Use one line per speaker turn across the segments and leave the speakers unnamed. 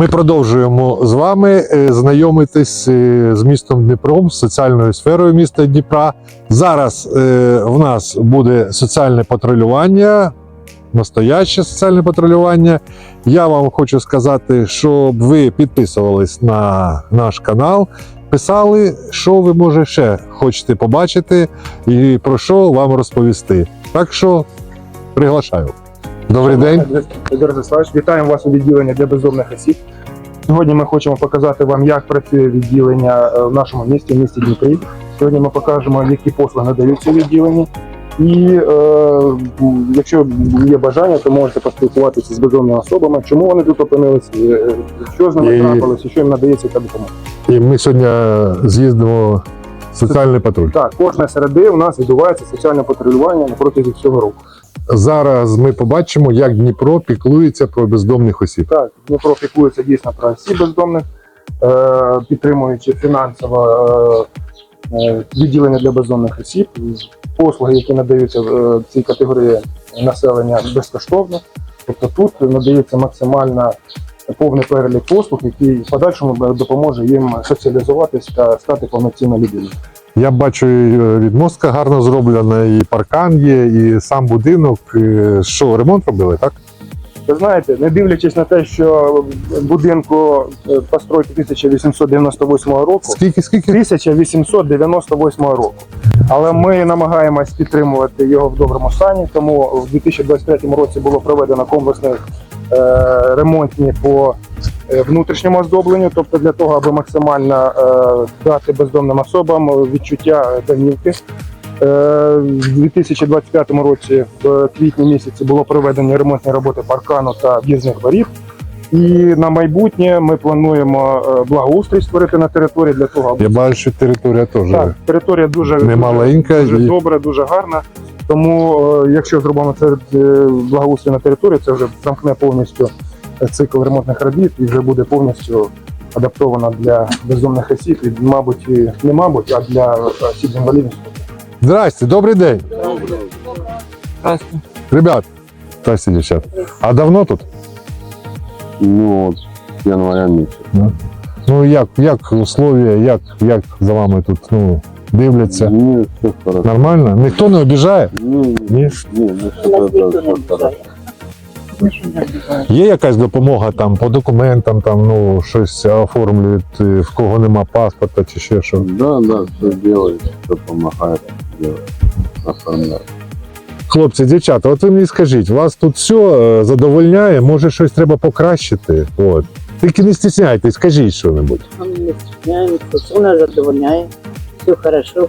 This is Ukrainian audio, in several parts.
Ми продовжуємо з вами знайомитись з містом Дніпром, з соціальною сферою міста Дніпра. Зараз в нас буде соціальне патрулювання, настояще соціальне патрулювання. Я вам хочу сказати, щоб ви підписувались на наш канал, писали, що ви, може, ще хочете побачити і про що вам розповісти. Так що приглашаю. Добрий день.
Федор Владиславович, вітаємо вас у відділенні для бездомних осіб. Сьогодні ми хочемо показати вам, як працює відділення в нашому місті, в місті Дніпрі. Сьогодні ми покажемо, які послуги надаються у відділенні. І якщо є бажання, то можете поспілкуватися з бездомними особами, чому вони тут опинилися, що з ними трапилося, що їм надається та допомога.
І ми сьогодні з'їздимо в соціальний патруль.
Так, кожної середи у нас відбувається соціальне патрулювання на протязі всього року.
Зараз ми побачимо, як Дніпро піклується про бездомних осіб.
Так, Дніпро піклується дійсно про осіб бездомних, підтримуючи фінансово відділення для бездомних осіб. Послуги, які надаються в цій категорії населення, безкоштовно. Тобто тут надається максимально повний перелік послуг, який в подальшому допоможе їм соціалізуватись та стати повноцінною людиною.
Я бачу, відмостка гарно зроблена, і паркан є, і сам будинок. Що, ремонт робили, так?
Ви знаєте, не дивлячись на те, що будинку постройки 1898 року,
Скільки?
1898 року. Але ми намагаємось підтримувати його в доброму стані, тому в 2023 році було проведено комплексні ремонтні по внутрішньому оздобленню, тобто для того, аби максимально дати бездомним особам відчуття домівки. В 2025 році, в квітні місяці, було проведені ремонтні роботи паркану та в'їзних воріт. І на майбутнє ми плануємо благоустрій створити на території для того, аби...
Я бачу, що територія теж
Так, територія дуже
немаленька.
Дуже добре, дуже гарна. Тому, якщо зробимо це благоустрій на території, це вже замкне повністю цикл ремонтних робіт і вже буде повністю адаптована для бездомних осіб, і, мабуть, не мабуть, а для осіб з інвалідністю.
Здрасте, добрий день.
Здравствуйте.
Ребят, здрасте, дівчат. А давно тут?
Ну, от, января місяця.
Ну, як условия, як за вами тут, дивляться?
Ні, все хорошо.
Нормально? Ніхто не обіжає?
Ні,
Ні?
все хорошо.
Є якась допомога там по документам, там, щось оформлюють, в кого нема паспорта чи ще що?
Да, все делает, все помогает делать, оформляет.
Хлопці, дівчата, от ви мені скажіть, вас тут все задовольняє, може щось треба покращити? От. Тільки не стісняйтесь, скажіть що-небудь.
Он не стесняется, все нас задовольняет, все хорошо.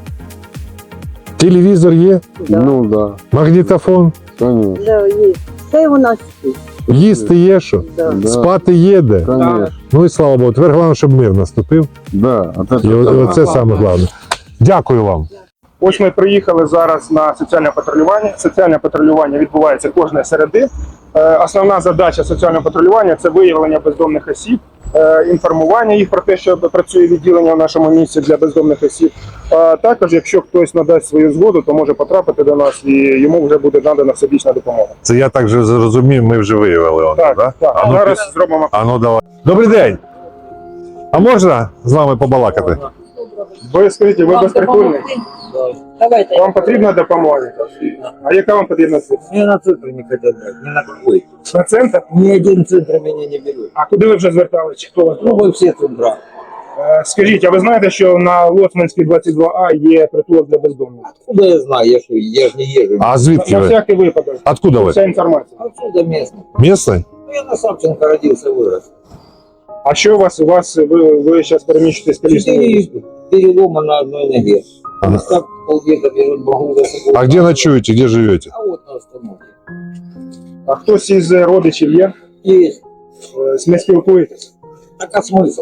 Телевізор є,
Да,
Ну да,
магнітофон,
конечно,
да, есть. Все у нас есть.
їсти є що,
Да.
Да.
спати є де.
конечно.
Ну і слава Богу, тепер головне, щоб мир наступив.
Да, от
І
это
оце саме головне. Дякую вам.
Ось ми приїхали зараз на соціальне патрулювання. Соціальне патрулювання відбувається кожної середи. Основна задача соціального патрулювання – це виявлення бездомних осіб, інформування їх про те, що працює відділення в нашому місті для бездомних осіб. Також, якщо хтось надасть свою згоду, то може потрапити до нас і йому вже буде надана всебічна допомога.
Це я так же зрозумів, ми вже виявили.
Так.
А ну,
Зараз зробимо.
давай. Добрий день. А можна з вами побалакати?
Ви скажіть, ви безпритульний?
Давайте.
Вам потрібна допомога? А яка вам потрібна?
Мне на центр не хотят брать, ни на какой.
На центр?
Ни один центр меня не берет.
А куди ви вже зверталися? Чи хто вас?
Ну, вы все центра.
Скажіть, а ви знаєте, що на Лоцманській 22А є притулок для бездомних?
Откуда я знаю, я ж не езжу.
А звідки
На
ви?
всякий випадок.
Откуда ви?
Вся інформація.
Отсюда местный.
Місцевий?
Ну, я на Савченко родился, вырос.
А що у вас, ви зараз переміщуєтесь колісною?
4 перелома на одной ноге.
Ага.
Так полвека берут, могу за собой.
А где ночуете, где живете?
А вот на остановке.
А хтось із родичів є?
Есть.
Не спілкуєтесь?
Так а смысл?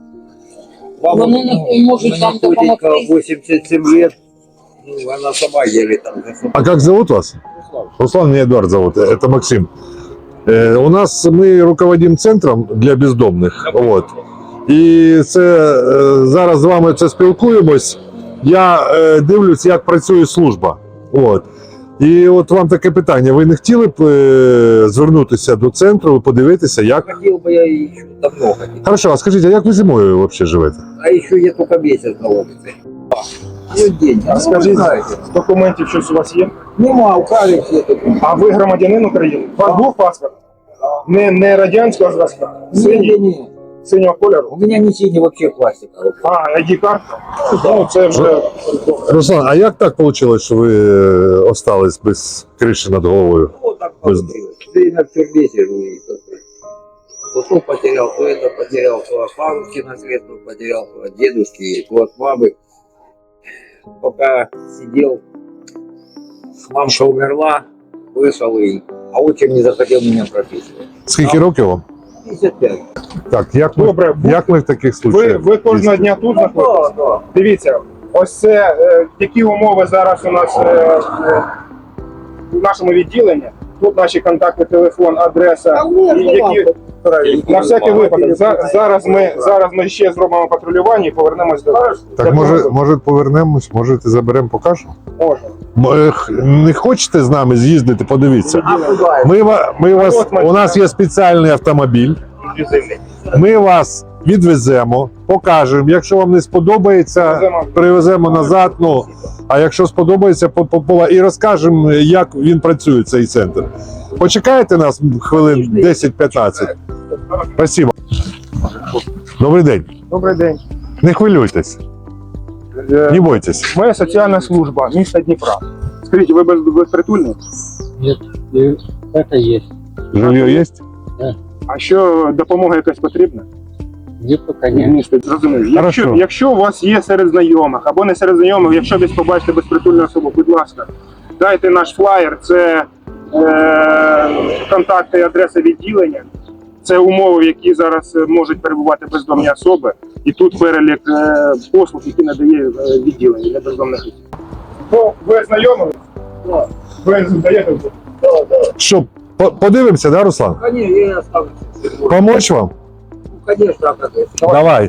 Ну, не может вам
тетенька
помогти.
87 лет. Ну, она сама еле там.
А как зовут вас? Руслан, меня Эдуард зовут, это Максим. У нас мы руководим центром для бездомних. От. І це зараз з вами це спілкуємось. Я дивлюсь, як працює служба. От. І от вам таке питання: ви не хотіли б звернутися до центру, подивитися, як.
Хотел бы я еще давно хотел.
Хорошо, а скажіть, а як ви зимою взагалі живете?
А еще я только месяц на улице. Ну, день.
А скажіть, з документів щось у вас є?
Нема, у Кали все тут.
А ви громадянин України? У вас був паспорт? Не радянського зразка?
Не.
Синього кольору?
У меня не синий, вообще пластиковый.
А, ID-картка? Ну, це вже...
Руслан, а як так вийшло, що ви остались без криші над головою?
Вот так получилось. Время в тюрьме сижу и то потерял, то это потерял, то от бабушки наследство потерял, то от дедушки, то от мамы. Пока сидел, мамка умерла, вышел и... А отчим не захотел меня прописывать.
Скільки років вам?
55.
Так,
Добре,
як ми в таких
ви
случаях?
кожного дня тут знаходитесь?
Да.
Дивіться, ось це такі умови зараз у нас в нашому відділенні. Тут наші контакти, телефон, адреса. На всякий випадок. Зараз ми ще зробимо патрулювання і повернемось до вас.
Так може повернемось, можете заберемо, покажемо?
Можна.
Не хочете з нами з'їздити, подивіться?
А куда?
У нас є спеціальний автомобіль. Ми вас відвеземо, покажемо. Якщо вам не сподобається, привеземо назад. Ну, а якщо сподобається, і розкажемо, як він працює, цей центр. Почекайте нас хвилин 10-15. Спасибо. Добрий день.
Добрий день.
Не хвилюйтесь, не бойтесь.
Моя соціальна служба міста Дніпра. Скажіть, ви безпритульні?
Нет, это есть.
Жилье є?
А що допомога якась потрібна?
Нет, пока нет.
Місто, зрозумів.
Хорошо.
Якщо у вас є серед знайомих або не серед знайомих, якщо десь побачите безпритульну особу, будь ласка, дайте наш флаєр, це контакти і адреса відділення, це умови, в які зараз можуть перебувати бездомні особи, і тут перелік послуг, які надає відділення для бездомних осіб. Ну, ви знайомі? Ви даєте?
Що, подивимося, да, Руслан?
Конечно, я оставлю.
Помочь вам?
Ну, конечно, а как это?
Давай.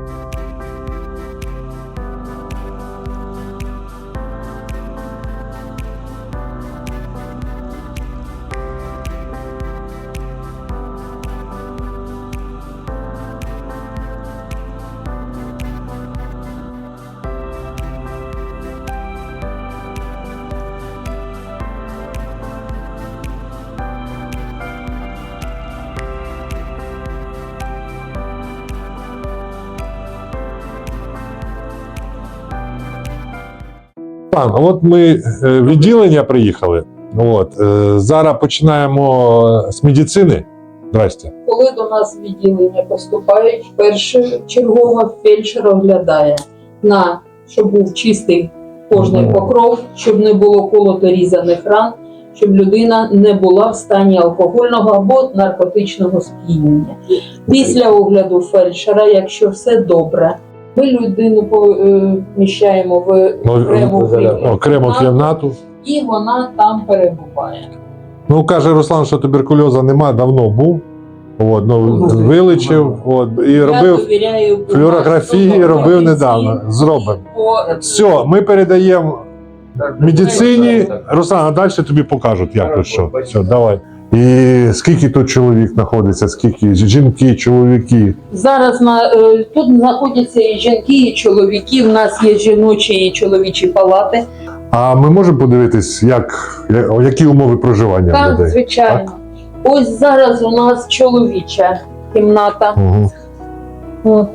От ми відділення приїхали. Зараз починаємо з медицини. Здрасте.
Коли до нас в відділення поступають, першочергово фельдшер оглядає, щоб був чистий кожний покров, щоб не було колото різаних ран, щоб людина не була в стані алкогольного або наркотичного сп'яніння. Після огляду фельдшера, якщо все добре, ми людину поміщаємо в
окрему кімнату.
і вона там перебуває.
Ну, каже Руслан, що туберкульозу нема, давно був. Вилечив, і робив
довіряю
флюорографії, робив недавно. Зробимо. Все, ми передаємо медицині. Руслан, а далі тобі покажуть, як тут що. Все, давай. І скільки тут чоловік знаходиться, скільки жінки, чоловіки?
Зараз тут знаходяться і жінки, і чоловіки. У нас є жіночі і чоловічі палати.
А ми можемо подивитись, які умови проживання
Так,
людей?
звичайно. Ось зараз у нас чоловіча кімната.
Угу.
От.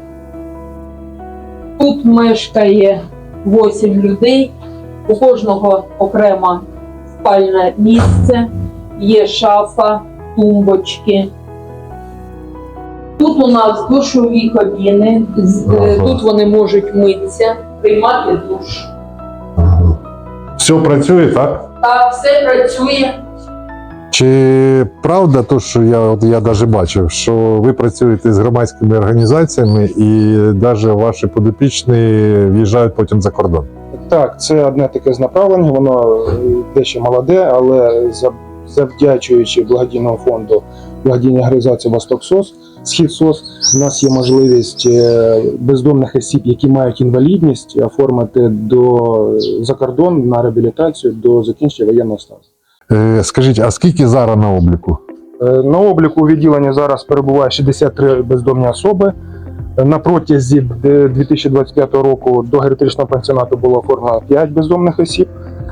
Тут мешкає 8 людей. У кожного окремо спальне місце. Є шафа, тумбочки. Тут у нас душові кабіни. Тут вони можуть митися, приймати душ.
Все працює, так?
Так, все працює.
Чи правда то, що я навіть бачив, що ви працюєте з громадськими організаціями і навіть ваші підопічні в'їжджають потім за кордон?
Так, це одне таке з направлень, воно дещо молоде, але завдячуючи благодійному фонду благодійної організації «Восток СОС», Схід СОС. У нас є можливість бездомних осіб, які мають інвалідність, оформити за кордон на реабілітацію до закінчення воєнного стану.
Скажіть, а скільки зараз на обліку?
На обліку у відділенні зараз перебуває 63 бездомні особи. На протязі 2025 року до геріатричного пансіонату було оформлено 5 бездомних осіб.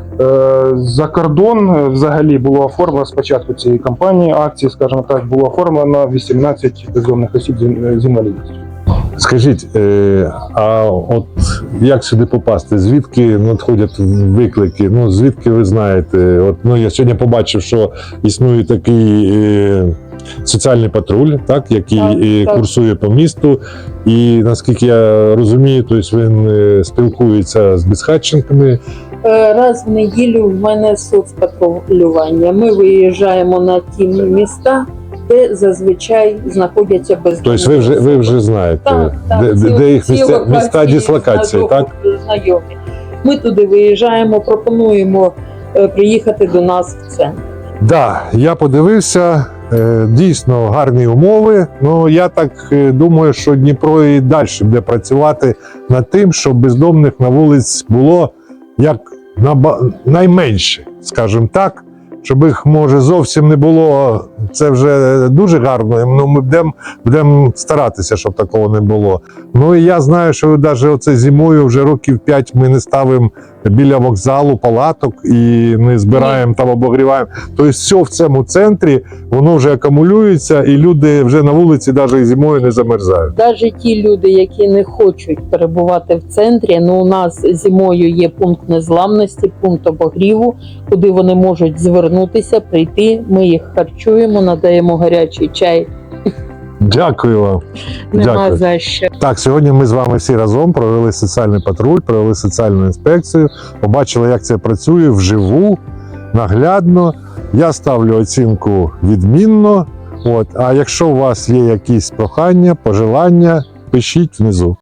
За кордон взагалі було оформлено з початку цієї кампанії, акції, скажімо так, було оформлено 18 бездомних осіб з інвалідністю.
Скажіть, а от як сюди попасти? Звідки надходять виклики? Ну, звідки ви знаєте? От, ну, я сьогодні побачив, що існує такий соціальний патруль, так, який
Так.
курсує по місту. І наскільки я розумію, тобто він спілкується з безхатченками.
Раз в неділю в мене соцпатрулювання. Ми виїжджаємо на ті міста, де зазвичай знаходяться бездомні.
Тобто ви вже знаєте,
Так,
де їх
ці
місця
локації
дислокації, так?
знайомі. Ми туди виїжджаємо, пропонуємо приїхати до нас в центр.
Да, я подивився, дійсно гарні умови. Ну я так думаю, що Дніпро і далі буде працювати над тим, щоб бездомних на вулиці було як найменше, скажімо так. Щоб їх, може, зовсім не було, це вже дуже гарно. Ну, ми будемо старатися, щоб такого не було. Ну і я знаю, що навіть оце зимою вже років 5 ми не ставимо біля вокзалу палаток і не збираємо там, обогріваємо. Тобто все в цьому центрі, воно вже акумулюється, і люди вже на вулиці навіть і зимою не замерзають.
Навіть ті люди, які не хочуть перебувати в центрі, ну у нас зимою є пункт незламності, пункт обогріву, куди вони можуть звернутися, прийти. Ми їх харчуємо, надаємо гарячий чай.
Дякую вам.
Нема
Дякую.
за що.
Так, сьогодні ми з вами всі разом провели соціальний патруль, провели соціальну інспекцію, побачили, як це працює вживу, наглядно. Я ставлю оцінку відмінно. От. А якщо у вас є якісь прохання, пожелання, пишіть внизу.